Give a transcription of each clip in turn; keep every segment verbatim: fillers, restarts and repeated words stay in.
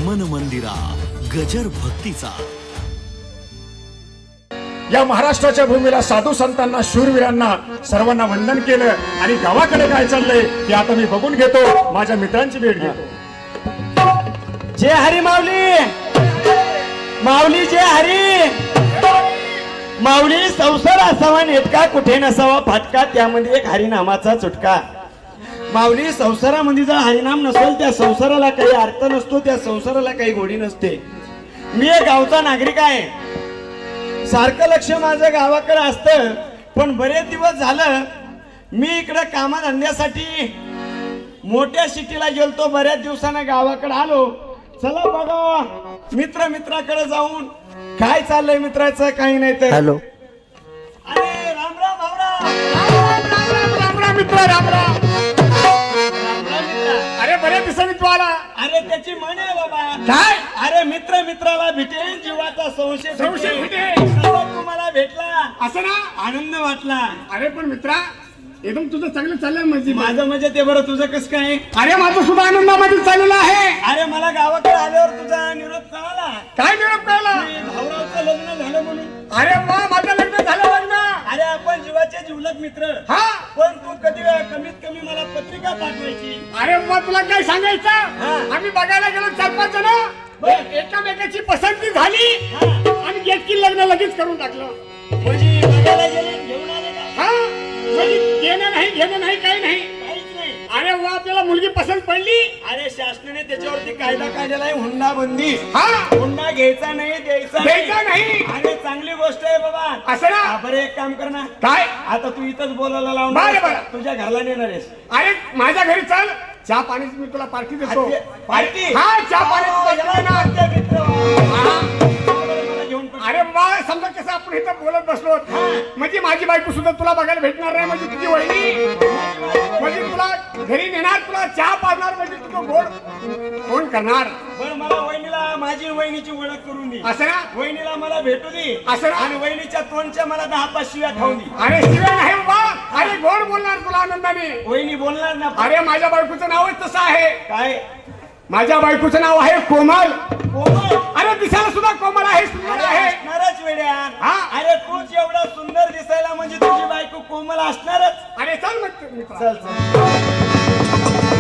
मन मंदिरा गजर भक्तीचा। या महाराष्ट्राच्या भूमीला साधू संतांना शूरवीरांना सर्वांना वंदन केलं आणि गावाकडे काय चाललंय हे आता मी बघून घेतो, माझ्या मित्रांची भेट घेतो। जय हरी माऊली, माऊली जय हरी। माऊली संसार असावा नेटका कुठे नसावा फाटका, त्यामध्ये एक हरिनामाचा चुटका। माऊली संसारामध्ये जर हरिनाम नसेल त्या संसाराला काही अर्थ नसतो, त्या संसाराला काही गोडी नसते। मी एक गावचा नागरिक आहे, सारखं लक्ष माझं गावाकडे असतं, पण बरेच दिवस झालं मी इकडे कामधंद्यासाठी मोठ्या सिटीला गेलतो, बऱ्याच दिवसानं गावाकडे आलो। चला बघा मित्र मित्राकडे जाऊन काय चाललंय मित्राचं, काही नाही तर। हॅलो, अरे राम राम भावरा, राम राम मित्र, राम राम। अरे बऱ्याच दिवसांनी तू आला। अरे त्याची म्हण आहे बाबा, काय? अरे मित्र मित्राला भेटेल जीवाचा संशय संशय भेटेल। तसा तुम्हाला भेटला असं ना, आनंद वाटला। अरे पण मित्रा एकदम तुझं चांगलं चाललंय म्हणजे। माझं म्हणजे ते बरं, तुझं कसं काय? अरे माझं सुद्धा आनंदामध्ये चाललेलं आहे। अरे मला गावाकडे आल्यावर तुझा निरोप कळाला, काय निरोप कळला? की भाऊरावचं लग्न झालं म्हणून। अरे वा, माझं लग्न झालं लग्न। अरे आपण जीवाचे जीवलग मित्र, हा, पण तू कधी कमीत कमी मला पत्रिका पाठवायची। अरे मग तुला काय सांगायचं, हा. आम्ही बघायला गेलो चार पाच जण, एकामेकाची पसंती झाली हा. आणि गेटकी लग्न लगेच करून टाकलं। म्हणजे बघायला गेले, घेऊन आले का? हा, म्हणजे घेणं नाही घेणं नाही काही नाही। काहीच नाही। अरे वा, आपल्याला मुलगी पसंत पडली। अरे शासनाने त्याच्यावरती कायदा काढलेला आहे, हुंडा बंदी। हा, हुंडा घ्यायचा नाही, द्यायचा द्यायचा नाही। अरे चांगली गोष्ट आहे बाबा। असं ना? हा, बरं एक काम कर ना, काय? आता तू इथंच बोलायला लावून बरं, बरं. तुझ्या घरला नेणार आहेस। अरे माझ्या घरी चल, चहा पाण्याची मी तुला पार्टी देतो। पार्टी? हा, चहा पाण्याची पार्टी देणार। हा. घेऊन पण- अरे वा, समजा कसं आपण इथं बोलत बसलो, म्हणजे माझी बायको सुद्धा तुला बघायला भेटणार नाही, म्हणजे तुझी वहिनी म्हणजे तुला घरी नेणार, तुला चहा पाजणार, म्हणजे तुझं गोड कोण करणार? बरं मला वहिनीला माझी वहिनीची ओळख करून दे। असं ना? वहिनीला मला भेटू दे, असं ना? आणि वहिनीच्या तोंडच्या मला दहा पाच शिव्या खाऊन दे। अरे शिवाय नाही बाबा, अरे गोड बोलणार तुला आनंदाने। वहिनी बोलणार ना? अरे माझ्या बायकोचं नावच तसं आहे। काय? माझ्या बायकोचं नाव आहे कोमल। कोमल? अरे दिसायला सुद्धा कोमल आहे, सुंदर आहे। असणारच वेड्या। हा? अरे तूच एवढा सुंदर दिसायला म्हणजे तुझी बायको कोमल असणारच। अरे चल मग मित्रा. चल चल।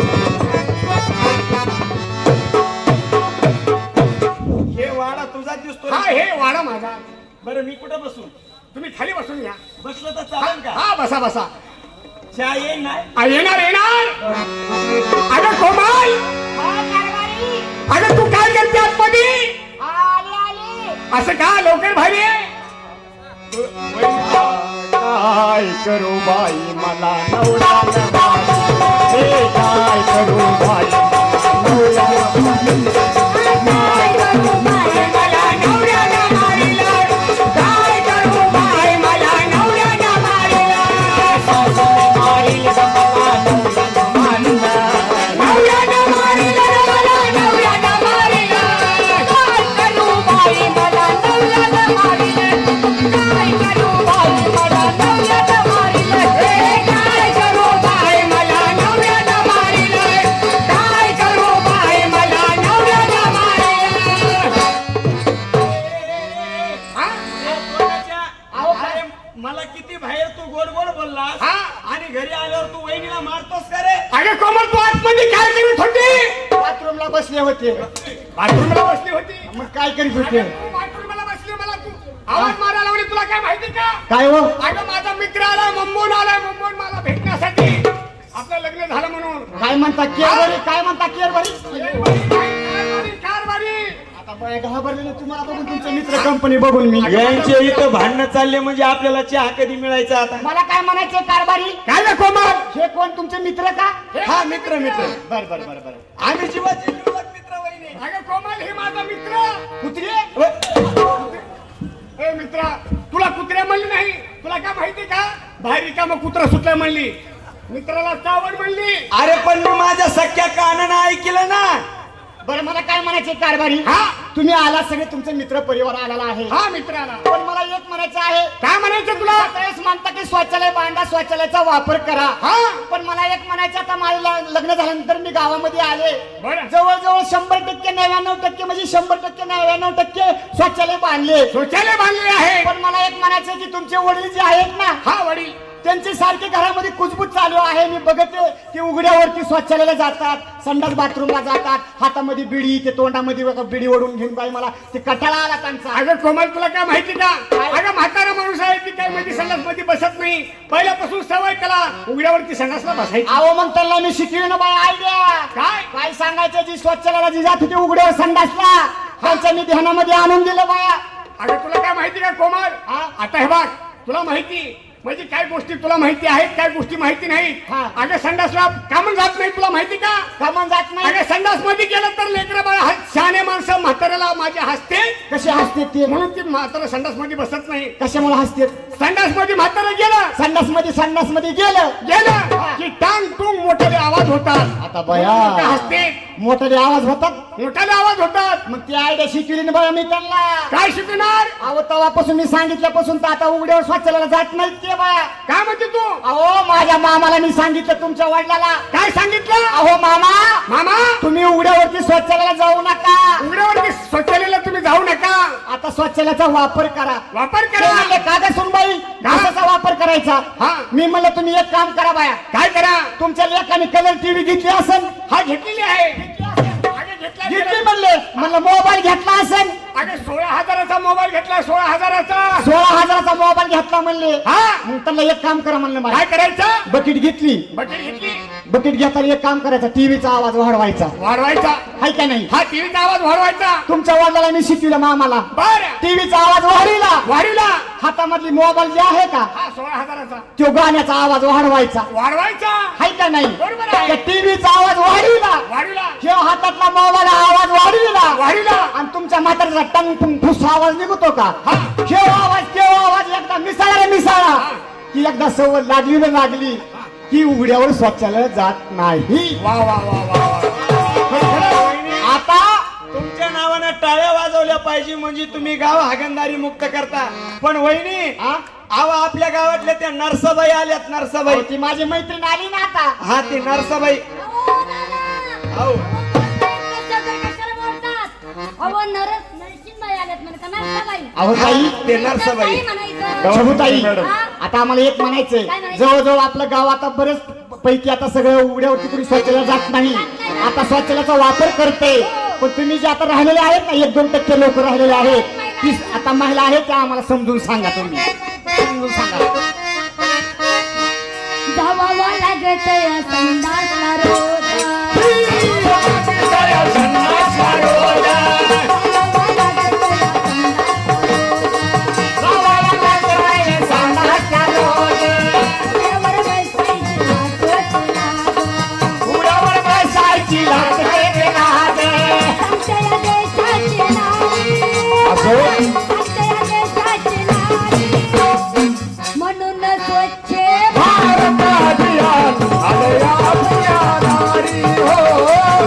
हे वाडा तुझा दिसतो। हा, हे वाडा माझा। बरं मी कुठं बसू? तुम्ही खाली बसून घ्या। बसलं तर चालेल का? हा, बसा बसा। चहा येईल ना? आ, येणार येणार। अगं कोमल, अगं तू काय करते आतमध्ये? असं का लवकर बाहेर ये? काय करू बाई मला नवरा नवारी, हे काय करू बाई नवरा नवारी, काय करू बाई मला नवरा नवारीला, काय करू बाई मला नवरा नवारीला, सासू मारील मला नवरा नवारीला, नवरा नवारीला, नवरा नवारीला, काय करू बाई मला नवरा नवारीला, काय करू बाई मला नवरा नवारीला, हे काय करू बाई मला नवरा नवारीला, काय करू बाई मला नवरा नवारीला। हा? ए, कोणाच्या? अरे मला किती बाहेर तू गोड गोड बोललास, हा? आणि घरी आल्यावर तू वहिनीला मारतोस का रे? अगं कोमल, तू आतमध्ये काय करत होती? बाथरूमला बसले होते। बाथरूमला बसली होती? मग काय करीत होते? अगं, तू बाथरूमला बसली, मला तू आवाज मारायला लावली, तुला काय माहिती का? काय हो? अगं माझा मित्र आला, मुंबईहून आलाय, मुंबईहून मला भेटण्यासाठी, आपलं लग्न झालं म्हणून। काय म्हणता केअरवारी? काय म्हणता केअरवारी? कारभारी, कारभारी। आता बघा घाबरलेलं तुम्हाला बघून, तुमचे मित्र कंपनी बघून मी यांचे इथं भांडणं चालले, म्हणजे आपल्याला चहा कधी मिळायचा आता? मला काय म्हणायचे कारभारी? काय रे कोमल? हे कोण तुमचे मित्र का? हा मित्र मित्र बर बर बर बर आम्ही जीवाचे जीवलग मित्र वहिनी। अगं कोमल, हे माझा मित्र कुत्रे? ए मित्रा, तुला कुत्र्या म्हणली नाही, तुला काय माहिती का? बाहेर रिकामं कुत्रा सुटलाय म्हणली, मित्राला चावड म्हणली। अरे पण मी माझ्या सख्या कानानं ऐकलं ना। बरं मला काय म्हणायचे कारभारी? हा? तुम्ही आला सगळे, तुमचे मित्र परिवार आलेला आहे, हा मित्राला पण मला एक म्हणायचं आहे, काय म्हणायचं तुला? त्यावेळेस म्हणता की शौचालय बांधा, शौचालयाचा वापर करा, हा? पण मला एक म्हणायचं, आता माझं ल- लग्न झाल्यानंतर मी गावामध्ये आले बरं. जवळजवळ शंभर टक्के नव्याण्णव टक्के म्हणजे शंभर टक्के नव्याण्णव टक्के शौचालय बांधले शौचालय बांधलेले आहे. पण मला एक म्हणायचं की तुमचे वडील जे आहेत ना हा वडील त्यांचे सारखे घरामध्ये कुजबूज चालू आहे. मी बघते की उघड्यावरती स्वच्छालयाला जातात, संडास बाथरूमला जातात, हातामध्ये बिडी, ते तोंडामध्ये बघा बिडी ओढून घेऊन बाई मला ते कटाळा आला त्यांचा. अगं कोमल तुला काय माहिती का? काय? अगं म्हातारा माणूस आहे ती काय मध्ये संडास मध्ये बसत नाही. पहिल्यापासून सवय त्याला उघड्यावरती संडासला बसायची. अहो मग त्यांना मी शिकवी ना बाई आयडिया. काय? काय सांगायचं, जी स्वच्छालयाला जी जात होती उघड्यावर संडासला त्यांच्या मी ध्यानामध्ये आणून दिलं बाया. अगं तुला काय माहिती का कोमल? हा? आता हे बघ तुला माहिती म्हणजे काय गोष्टी तुला माहिती आहेत, काय गोष्टी माहिती नाहीत. हा. अगं संडासला कामं जात नाही तुला माहिती का? कामं जात नाही. अगं संडास मध्ये गेलं तर लेकरं बाळा हस- शहाणे माणसं म्हाताऱ्याला माझ्या हसते कसे हसते ते, म्हणून ती म्हातारा संडास मध्ये बसत नाही. कशामुळे हसते? संडास मध्ये म्हातारा गेलं संडास मध्ये संडास मध्ये गेलं गेलं की टांग टुंग मोठे आवाज होतात. आता बया म्हणून ते हसते, मोठाले आवाज होतात. मोठाले आवाज होतात. मग ती आयडिया शिकवली ना बाया मी त्यांना. काय शिकणार? अहो तेव्हापासून मी सांगितल्यापासून तर आता उघड्यावर स्वच्छालयाला जात नाहीत ते बाया. काय म्हणते तू? अहो माझ्या मामाला मी सांगितलं, तुमच्या वडिलाला. काय सांगितलं? अहो मामा मामा तुम्ही उघड्यावरती स्वच्छालयाला जाऊ नका. उघड्यावरती शौचालयाला तुम्ही जाऊ नका, आता स्वच्छालयाचा वापर करा. वापर ते करा. म्हणले, का ग सुनबाई कशाचा वापर करायचा? हा. मी म्हणलं तुम्ही एक काम करा बाया, काय करा? तुमच्या लेखाने कलर टीव्ही घेतली असेल. हा घेतलेली आहे. अगं घेतला घेतली म्हणले, म्हणलं मोबाईल घेतला असेल. अगं सोळा हजाराचा मोबाईल घेतला, सोळा हजाराचा. सोळा हजाराचा मोबाईल घेतला म्हणले. हा मग त्यांना एक काम करा म्हणलं मला. काय करायचं? बकेट घेतली. बकेट घेतली, बकेट घेताना एक काम करायचं, टीव्हीचा आवाज वाढवायचा. वाढवायचा. हाय का नाही? हा टीव्हीचा आवाज वाढवायचा. तुमच्या वडिलाला मी शिकविलं मामाला. बर टीव्हीचा आवाज वाढविला. वाढीला. हातामधली मोबाईल जे आहे का हा सोळा हजाराचा तो गाण्याचा आवाज वाढवायचा. वाढवायचा. हाय का नाही? बरोबर आहे. त्या टीव्हीचा आवाज वाढविला. वाढीला. ह्यो हातातला मोबाईल आवाज वाढविला. वाढीला. आणि तुमच्या म्हाताऱ्याचा टंग फुंग फुस आवाज निघतो का? हा. ह्यो आवाज त्यो आवाज एकदा मिसाळा रे मिसाळा की एकदा सवय लागली ना लागली की उघड्यावर शौचालय जात नाही. वा वा वा वा वा. खरं वहिनी. आता तुमच्या नावानं टाळ्या वाजवल्या पाहिजे म्हणजे तुम्ही गाव हागणदारी मुक्त करता. पण वहिनी हा? अहो आपल्या गावातल्या त्या नरसाबाई आल्यात, नरसाबाई. अहो, ती माझी मैत्रीण आली ना आता. हा ती नरसाबाई. अहो अहो नरस नरसिंहबाई आल्यात म्हणे का नरसाबाई? अहो ताई ते नरसाबाई. काय म्हणायचं? शोभूताई मॅडम. आता आम्हाला एक म्हणायचंय, काय म्हणायचं? जवळजवळ आपलं गाव आता बरेच पैकी आता सगळं उघड्यावरती कुणी शौचालय जात नाही. आता शौचालयाचा वापर करते. पण तुम्ही जे आता राहिलेले आहेत ना, एक दोन टक्के लोक राहिलेले आहेत, ती आता महिला आहेत त्या आम्हाला समजून सांगा. तुम्ही समजून सांगा. धावावा लागत या संडासला रोज. म्हणून स्वच्छ भारत अभियान आलया अभियानारी हो.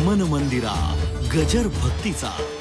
मन मंदिरा गजर भक्तीचा